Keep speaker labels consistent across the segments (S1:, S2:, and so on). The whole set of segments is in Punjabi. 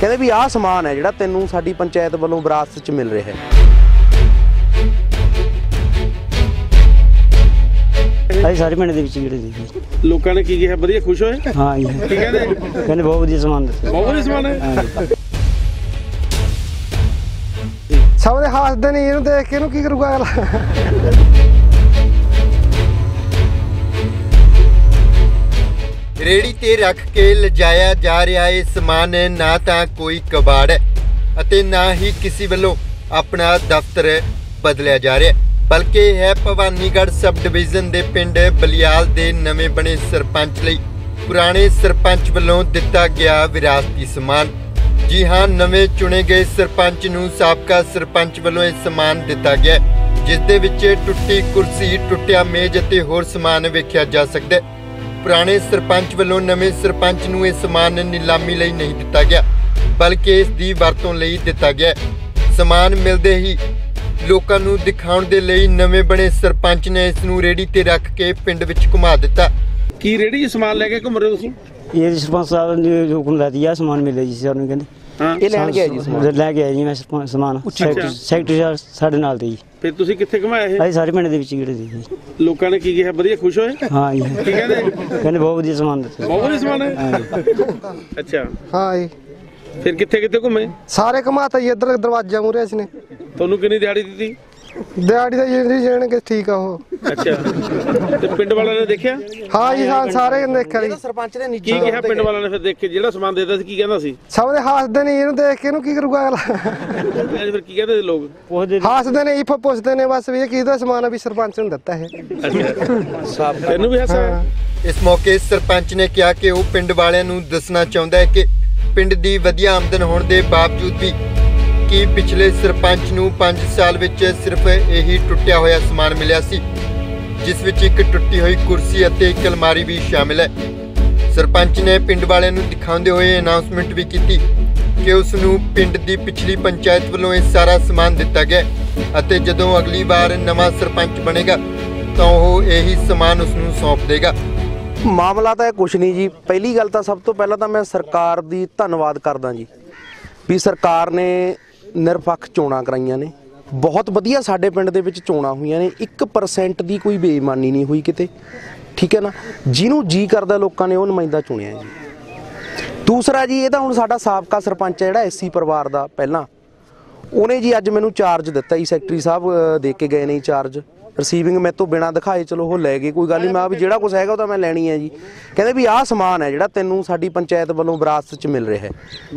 S1: कहते भी आह समान है जिहड़ा तैनूं साडी पंचायत वालों विरासत च मिल रहा है।
S2: ਅਸੀਂ ਸਾਰੇ ਪਿੰਡ ਦੇ ਵਿੱਚ ਜਿਹੜੇ ਸੀ
S3: ਲੋਕਾਂ ਨੇ ਕੀ ਕਿਹਾ? ਵਧੀਆ ਖੁਸ਼ ਹੋਏ?
S2: ਹਾਂ ਜੀ,
S3: ਕੀ ਕਹਿੰਦੇ?
S2: ਕਹਿੰਦੇ ਬਹੁਤ ਵਧੀਆ ਸਮਾਨ ਦਿੱਤਾ।
S3: ਬਹੁਤ ਵਧੀਆ ਸਮਾਨ ਹੈ।
S4: ਸਭ ਦੇ ਹੱਸਦੇ ਨੇ, ਇਹਨੂੰ ਦੇਖ ਕੇ ਇਹਨੂੰ ਕੀ ਕਰੂਗਾ ਅਗਲਾ।
S5: ਰੇੜੀ ਤੇ ਰੱਖ ਕੇ ਲਿਜਾਇਆ ਜਾ ਰਿਹਾ ਇਹ ਸਮਾਨ ਨਾ ਤਾਂ ਕੋਈ ਕਬਾੜ ਹੈ ਅਤੇ ਨਾ ਹੀ ਕਿਸੇ ਵੱਲੋਂ ਆਪਣਾ ਦਫ਼ਤਰ ਬਦਲਿਆ ਜਾ ਰਿਹਾ, ਬਲਕਿ ਇਹ ਹੈ ਭਵਾਨੀਗੜ੍ਹ ਸਬ ਡਿਵੀਜ਼ਨ ਦੇ ਪਿੰਡ ਬਲਿਆਲ ਦੇ ਨਵੇਂ ਬਣੇ ਸਰਪੰਚ ਲਈ ਪੁਰਾਣੇ ਸਰਪੰਚ ਵੱਲੋਂ ਦਿੱਤਾ ਗਿਆ ਵਿਰਾਸਤੀ ਸਮਾਨ। जी हाँ, नवे चुने गए सरपंच नूं साबका सरपंच वालों यह समान दिता गया, जिस दे विच टुट्टी कुर्सी, टुटिया मेज अते होर समान वेख्या जा सकता है। पुराने सरपंच वालों नवे सरपंच नूं यह समान नीलामी लई नहीं दिता गया, बल्कि इस दी वरतों लई दिता गया। समान मिलते ही लोकां नूं दिखाउण दे लई नवे बने सरपंच ने इस नूं रेहड़ी ते रख के पिंड विच घुमा दिता।
S3: की रेहड़ी समान लैके घुम रहे हो तुसीं?
S2: ये सरपंच साहब ने जो हुक्म दिया समान मिले जी सानू कहंदे।
S3: हाँ,
S1: ये लैण गया जी समान,
S2: ਲੈ ਕੇ ਆਇਆ ਜੀ ਮੈਂ ਸਮਾਨ। ਸੈਕਟਰੀ ਸਾਡੇ ਨਾਲ ਤੇ ਜੀ।
S3: ਫਿਰ ਤੁਸੀਂ ਕਿੱਥੇ ਘੁਮਾਇਆ ਇਹ?
S2: ਅਸੀਂ ਸਾਰੇ ਪਿੰਡ ਦੇ ਵਿੱਚ ਜਿਹੜੇ ਸੀ
S3: ਲੋਕਾਂ ਨੇ ਕੀ ਕਿਹਾ? ਵਧੀਆ ਖੁਸ਼ ਹੋਏ?
S2: ਹਾਂ ਜੀ,
S3: ਕੀ ਕਹਿੰਦੇ?
S2: ਕਹਿੰਦੇ ਬਹੁਤ ਵਧੀਆ ਸਮਾਨ ਦਿੱਤਾ।
S3: ਬਹੁਤ ਵਧੀਆ ਸਮਾਨ ਹੈ। ਅੱਛਾ,
S4: ਹਾਂ ਜੀ,
S3: ਫਿਰ ਕਿੱਥੇ ਕਿੱਥੇ ਘੁੰਮੇ?
S4: ਸਾਰੇ ਘਮਾਤਾ ਜੀ, ਇੱਧਰ ਦਰਵਾਜ਼ਾ ਮੂਹਰੇ ਅਸੀਂ ਨੇ।
S3: ਤੁਹਾਨੂੰ ਕਿੰਨੀ ਦਿਹਾੜੀ ਦਿੱਤੀ?
S4: ਦਿਹਾੜੀ ਦਾ ਜਿਹੜੀ ਜਾਣਗੇ ਠੀਕ ਆ ਉਹ।
S3: ਅੱਛਾ, ਤੇ ਪਿੰਡ ਵਾਲਿਆਂ ਨੇ ਦੇਖਿਆ?
S4: ਹਾਂ ਜੀ, ਹਾਂ ਸਾਰੇ ਨੇ ਦੇਖਿਆ ਜੀ।
S1: ਸਰਪੰਚ ਨੇ
S3: ਕੀ ਕਿਹਾ ਪਿੰਡ ਵਾਲਿਆਂ ਨੇ ਫਿਰ ਦੇਖ ਕੇ? ਜਿਹੜਾ ਸਮਾਨ ਦੇਤਾ ਸੀ ਕੀ ਕਹਿੰਦਾ ਸੀ?
S4: ਸਭ ਦੇ ਹੱਸਦੇ ਨੇ, ਇਹਨੂੰ ਦੇਖ ਕੇ ਇਹਨੂੰ ਕੀ ਕਰੂਗਾ ਅਗਲਾ।
S3: ਫਿਰ ਕੀ ਕਹਿੰਦੇ ਲੋਕ?
S4: ਹੱਸਦੇ ਨੇ, ਇਹ ਪੁੱਛਦੇ ਨੇ ਬਸ ਵੀ ਇਹ ਕਿਹਦਾ ਸਮਾਨ ਆ, ਵੀ ਸਰਪੰਚ ਨੂੰ ਦਿੱਤਾ ਇਹ।
S3: ਅੱਛਾ, ਤੈਨੂੰ ਵੀ ਹੱਸਾ?
S5: इस मौके सरपंच ने कहा कि वह पिंड वालियां नूं दसना चाहुंदा है कि पिंड दी वधिया आमदन होने के बावजूद भी कि पिछले सरपंच नूं 5 साल विच सिर्फ यही टुटिया होया समान मिलिया सी, जिस विच एक टुटी हुई कुर्सी अते एक अलमारी भी शामिल है। सरपंच ने पिंड वालियां नूं दिखाउंदे होए अनाउंसमेंट भी कीती कि उस नूं पिंड दी पिछली पंचायत वालों यह सारा समान दिता गया अते जदों अगली बार नवां सरपंच बनेगा तो वह यही समान उस नूं सौंप देगा।
S1: मामला तो कुछ नहीं जी। पहली गल तो सब तो पहला तो मैं सरकार दी धन्नवाद करदा जी भी सरकार ने निरपक्ष चोणां कराइयां ने, बहुत वधिया साडे पिंड दे विच चोणां होईयां ने, 1% दी कोई बेईमानी नहीं हुई किते, ठीक है ना। जिन्हों जी करदा लोकां ने वो नुमाइंदा चुनिया जी। दूसरा जी, ये तो हुण साडा साबका सरपंच है जिहड़ा एससी परिवार दा पहला, उहने जी अज मैनूं चार्ज दिता जी, सैकटरी साहब दे के गए ने चार्ज। रिसीविंग मैं तो बिना दिखाए चलो वो लै गए, कोई गल नहीं, मैं भी जिहड़ा कुछ हैगा तो मैं लैनी है जी। कहते भी आह समान है जिहड़ा तैनूं साडी पंचायत वालों विरासत च मिल रहा है।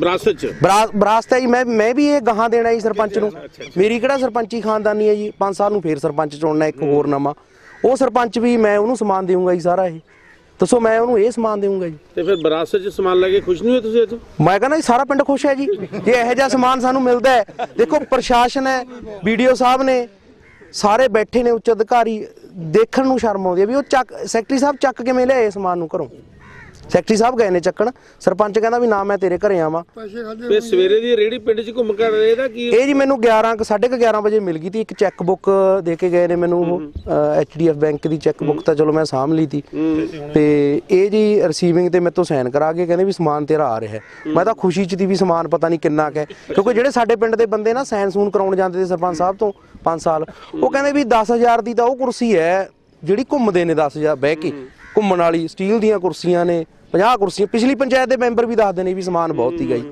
S1: विरासत है जी, मैं भी ये गाहां देना जी सरपंच नूं। मेरी किहड़ा सरपंची खानदानी है जी, 5 साल नूं फिर सरपंच चुनना एक होर नवां, वो सरपंच भी मैं उहनूं समान देऊंगा जी सारा। ये दसो मैं उहनूं ये समान देऊंगा जी।
S3: ਤੇ ਫਿਰ ਵਿਰਾਸਤ 'ਚ ਸਮਾਨ ਲੈ ਕੇ ਖੁਸ਼ ਨਹੀਂ ਹੋਏ ਤੁਸੀਂ ਅੱਜ?
S1: मैं कहना जी सारा पिंड खुश है जी, ये इहो जिहा समान सानूं मिलदा है। देखो प्रशासन है, BDO साहब ने सारे बैठे ने, उच्च अधिकारी, देखण नूं शर्म आउंदी है भी वो चक सैकटरी साहब चक किवें लिआए समान नूं घरों। सैकटरी साहब गए ने चक्कण, सरपंच कहंदा भी ना मैं तेरे घरे आवां।
S3: ਤੇ ਸਵੇਰੇ ਦੀ ਰੇੜੀ ਪਿੰਡ 'ਚ ਘੁੰਮ ਕਰ ਰਹੇ ਦਾ ਕੀ?
S1: ਇਹ ਜੀ ਮੈਨੂੰ 11:30 ਵਜੇ ਮਿਲ ਗਈ ਤੀ। ਇੱਕ ਚੈੱਕ ਬੁੱਕ ਦੇ ਕੇ ਗਏ ਨੇ ਮੈਨੂੰ, HDF ਬੈਂਕ ਦੀ ਚੈੱਕ ਬੁੱਕ ਤਾਂ ਚਲੋ ਮੈਂ ਸਾਂਭ ਲਈ ਤੀ, ਤੇ ਇਹ ਜੀ ਰਿਸੀਵਿੰਗ ਤੇ ਮੇਰੇ ਤੋਂ ਸਾਈਨ ਕਰਾ ਕੇ ਕਹਿੰਦੇ ਵੀ ਸਮਾਨ ਤੇਰਾ ਆ ਰਿਹਾ। ਮੈਂ ਤਾਂ ਖੁਸ਼ੀ 'ਚ ਤੀ ਵੀ ਸਮਾਨ ਪਤਾ ਨਹੀਂ ਕਿੰਨਾ ਕੁ ਹੈ, ਕਿਉਂਕਿ ਜਿਹੜੇ ਸਾਡੇ ਪਿੰਡ ਦੇ ਬੰਦੇ ਨਾ ਸਾਈਨ ਸੂਨ ਕਰਾਉਣ ਜਾਂਦੇ ਤੇ ਸਰਪੰਚ ਸਾਹਿਬ ਤੋਂ 5 ਸਾਲ, ਉਹ ਕਹਿੰਦੇ ਵੀ 10,000 ਦੀ ਤਾਂ ਉਹ ਕੁਰਸੀ ਹੈ ਜਿਹੜੀ ਘੁੰਮਦੇ ਨੇ 10,000 ਬਹਿ ਕੇ, ਘੁੰਮਣ ਵਾਲੀ ਸਟੀਲ ਦੀਆਂ ਕੁਰਸੀਆਂ ਨੇ, 50 ਕੁਰਸੀਆਂ। ਪਿਛਲੀ ਪੰਚਾਇਤ ਦੇ ਮੈਂਬਰ ਵੀ ਦੱਸਦੇ ਨੇ ਵੀ ਸਮਾਨ ਬਹੁਤ ਸੀਗਾ ਜੀ।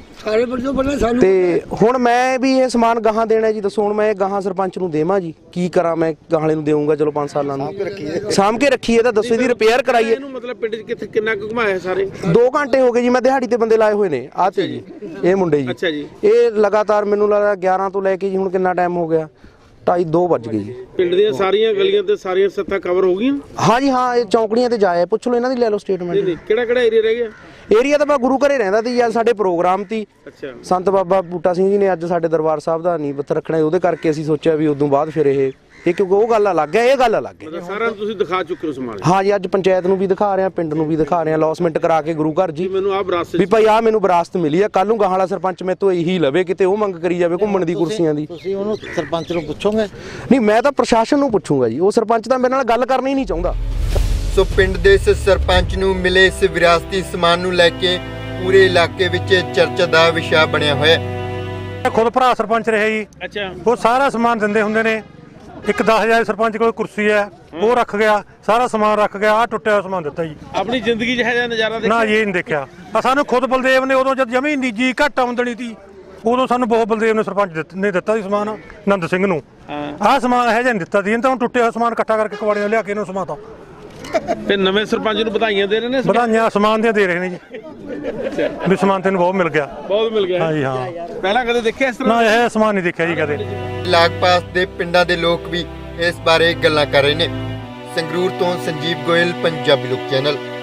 S1: ਤੇ ਹੁਣ ਮੈਂ ਵੀ ਇਹ ਸਮਾਨ ਗਾਹਾਂ ਦੇਣਾ ਜੀ। ਦੱਸੋ ਹੁਣ ਮੈਂ ਗਾਹਾਂ ਸਰਪੰਚ ਨੂੰ ਦੇਵਾਂ ਜੀ, ਕੀ ਕਰਾਂ? ਮੈਂ ਗਾਹਲੇ ਨੂੰ ਦੇਵਾਂਗਾ ਚਲੋ 5 ਸਾਲਾਂ ਨੂੰ ਸਾਂਭ ਕੇ ਰੱਖੀਏ ਤਾਂ ਦੱਸੋ ਇਹਦੀ ਰਿਪੇਅਰ ਕਰਾਈਏ।
S3: ਇਹਨੂੰ ਮਤਲਬ ਪਿੰਡ 'ਚ ਕਿੱਥੇ ਕਿੰਨਾ ਕੁ ਘੁਮਾਇਆ ਸਾਰੇ?
S1: 2 ਘੰਟੇ ਹੋ ਗਏ ਜੀ, ਮੈਂ ਦਿਹਾੜੀ ਤੇ ਬੰਦੇ ਲਾਏ ਹੋਏ ਨੇ। ਆਹ ਤੇ ਜੀ ਇਹ ਮੁੰਡੇ ਜੀ,
S3: ਅੱਛਾ ਜੀ,
S1: ਇਹ ਲਗਾਤਾਰ ਮੈਨੂੰ ਲੱਗਦਾ 11 ਤੋਂ ਲੈ ਕੇ ਜੀ ਹੁਣ ਕਿੰਨਾ ਟਾਈਮ ਹੋ ਗਿਆ, 2:30 ਵੱਜ ਗਏ ਜੀ।
S3: ਪਿੰਡ ਦੀਆਂ ਸਾਰੀਆਂ ਗਲੀਆਂ ਤੇ ਸਾਰੀਆਂ ਸੱਤਾਂ ਕਵਰ ਹੋ ਗਈਆਂ?
S1: ਹਾਂ ਜੀ ਹਾਂ, ਇਹ ਚੌਂਕੜੀਆਂ ਤੇ ਜਾਏ, ਪੁੱਛ ਲਓ ਇਹਨਾਂ ਦੀ, ਲੈ ਲਓ ਸਟੇਟਮੈਂਟ।
S3: ਕਿਹੜਾ ਕਿਹੜਾ ਏਰੀਆ ਰਹਿ ਗਿਆ?
S1: ਏਰੀਆ ਤਾਂ ਮੈਂ ਗੁਰੂ ਘਰੇ ਰਹਿੰਦਾ ਸੀ ਯਾਰ, ਸਾਡੇ ਪ੍ਰੋਗਰਾਮ ਤੀ।
S3: ਅੱਛਾ,
S1: ਸੰਤ ਬਾਬਾ ਬੂਟਾ ਸਿੰਘ ਜੀ ਨੇ ਅੱਜ ਸਾਡੇ ਦਰਬਾਰ ਸਾਹਿਬ ਦਾ ਨੀਂਹ ਪੱਥਰ ਰੱਖਣਾ, ਉਹਦੇ ਕਰਕੇ ਅਸੀਂ ਸੋਚਿਆ ਵੀ ਉਦੋਂ ਬਾਅਦ ਫਿਰ ਇਹ ਕਿਉਂਕਿ ਉਹ ਗੱਲ ਅਲੱਗ ਹੈ, ਇਹ ਗੱਲ ਅਲੱਗ ਹੈ।
S3: ਸਾਰਾ ਤੁਸੀਂ ਦਿਖਾ ਚੁੱਕੇ ਹੋ ਸਮਾਨ?
S1: ਹਾਂ ਜੀ, ਅੱਜ ਪੰਚਾਇਤ ਨੂੰ ਵੀ ਦਿਖਾ ਰਹੇ ਆ, ਪਿੰਡ ਨੂੰ ਵੀ ਦਿਖਾ ਰਹੇ ਆ, ਅਲੌਸਮੈਂਟ ਕਰਾ ਕੇ ਗੁਰੂ ਘਰ ਜੀ
S3: ਮੈਨੂੰ ਆਹ ਵਿਰਾਸਤ
S1: ਵੀ ਭਾਈ ਆਹ ਮੈਨੂੰ ਵਿਰਾਸਤ ਮਿਲੀ ਆ। ਕੱਲ ਨੂੰ ਗਾਹਾਂ ਵਾਲਾ ਸਰਪੰਚ ਮੇਰੇ ਤੋਂ ਇਹੀ ਲਵੇ, ਕਿਤੇ ਉਹ ਮੰਗ ਕਰੀ ਜਾਵੇ ਘੁੰਮਣ ਦੀ ਕੁਰਸੀਆਂ ਦੀ।
S6: ਤੁਸੀਂ ਉਹਨੂੰ ਸਰਪੰਚ ਨੂੰ ਪੁੱਛੋਗੇ?
S1: ਨਹੀਂ, ਮੈਂ ਤਾਂ ਪ੍ਰਸ਼ਾਸਨ ਨੂੰ ਪੁੱਛੂੰਗਾ ਜੀ, ਉਹ ਸਰਪੰਚ ਤਾਂ ਮੇਰੇ ਨਾਲ ਗੱਲ ਕਰਨੀ ਹੀ ਨਹੀਂ ਚਾਹੁੰਦਾ।
S5: ਸੋ ਪਿੰਡ ਦੇ ਇਸ ਸਰਪੰਚ ਨੂੰ ਮਿਲੇ ਇਸ ਵਿਰਾਸਤੀ ਸਮਾਨ ਨੂੰ ਲੈ ਕੇ ਪੂਰੇ ਇਲਾਕੇ ਵਿੱਚ ਚਰਚਾ ਦਾ ਵਿਸ਼ਾ ਬਣਿਆ ਹੋਇਆ ਹੈ।
S7: ਖੁਦ ਭਰਾ ਸਰਪੰਚ ਰਹੇ ਜੀ,
S3: ਅੱਛਾ
S7: ਉਹ ਸਾਰਾ ਸਮਾਨ ਦਿੰਦੇ ਹੁੰਦੇ ਨੇ। ਇੱਕ 10,000 ਸਰਪੰਚ ਕੋਲ ਕੁਰਸੀ ਹੈ, ਉਹ ਰੱਖ ਗਿਆ, ਸਾਰਾ ਸਮਾਨ ਰੱਖ ਗਿਆ, ਆ ਟੁੱਟਿਆ ਹੋਇਆ ਸਮਾਨ ਦਿੱਤਾ ਜੀ।
S3: ਆਪਣੀ ਜ਼ਿੰਦਗੀ 'ਚ ਹੈ ਜਾਂ ਨਜ਼ਾਰਾ
S7: ਨਾ
S3: ਦੇਖਿਆ?
S7: ਇਹ ਨਹੀਂ ਦੇਖਿਆ। ਸਾਨੂੰ ਖੁਦ ਬਲਦੇਵ ਨੇ ਉਦੋਂ ਜਦ ਜਮੀ ਨਿੱਜੀ ਘੱਟ ਆਮਦਨੀ ਸੀ, ਉਦੋਂ ਸਾਨੂੰ ਬਹੁਤ ਬਲਦੇਵ ਨੇ ਸਰਪੰਚ ਨੇ ਦਿੱਤਾ ਸੀ ਸਮਾਨ, ਨੰਦ ਸਿੰਘ ਨੂੰ। ਆਹ ਸਮਾਨ ਇਹੋ ਜਿਹਾ ਨਹੀਂ ਦਿੱਤਾ ਸੀ, ਇਹਨੂੰ ਤਾਂ ਹੁਣ ਟੁੱਟਿਆ ਹੋਇਆ ਸਮਾਨ ਇਕੱਠਾ ਕਰਕੇ ਕਵਾੜੀਆਂ ਲਿਆ ਕੇ ਇਹਨੂੰ ਸਮਾਤਾ।
S3: ਤੇ ਨਵੇਂ ਸਰਪੰਚ ਨੂੰ ਵਧਾਈਆਂ ਦੇ ਰਹੇ ਨੇ?
S7: ਵਧਾਈਆਂ ਸਮਾਨ ਦੀਆਂ ਦੇ ਰਹੇ ਨੇ ਜੀ, ਵੀ ਸਮਾਨ ਤੈਨੂੰ ਬਹੁਤ ਮਿਲ ਗਿਆ।
S3: ਬਹੁਤ ਮਿਲ ਗਿਆ।
S7: ਹਾਂ ਜੀ ਹਾਂ,
S3: ਪਹਿਲਾਂ ਕਦੇ ਦੇਖਿਆ ਇਸ ਤਰ੍ਹਾਂ?
S7: ਨਾ ਇਹ ਸਮਾਨ ਨਹੀਂ ਦੇਖਿਆ ਜੀ ਕਦੇ।
S5: ਲਾਗਪਾਸ ਦੇ ਪਿੰਡਾਂ ਦੇ ਲੋਕ ਵੀ ਇਸ ਬਾਰੇ ਗੱਲਾਂ ਕਰ ਰਹੇ ਨੇ। ਸੰਗਰੂਰ ਤੋਂ ਸੰਜੀਵ ਗੋਇਲ, ਪੰਜਾਬੀ ਲੋਕ ਚੈਨਲ।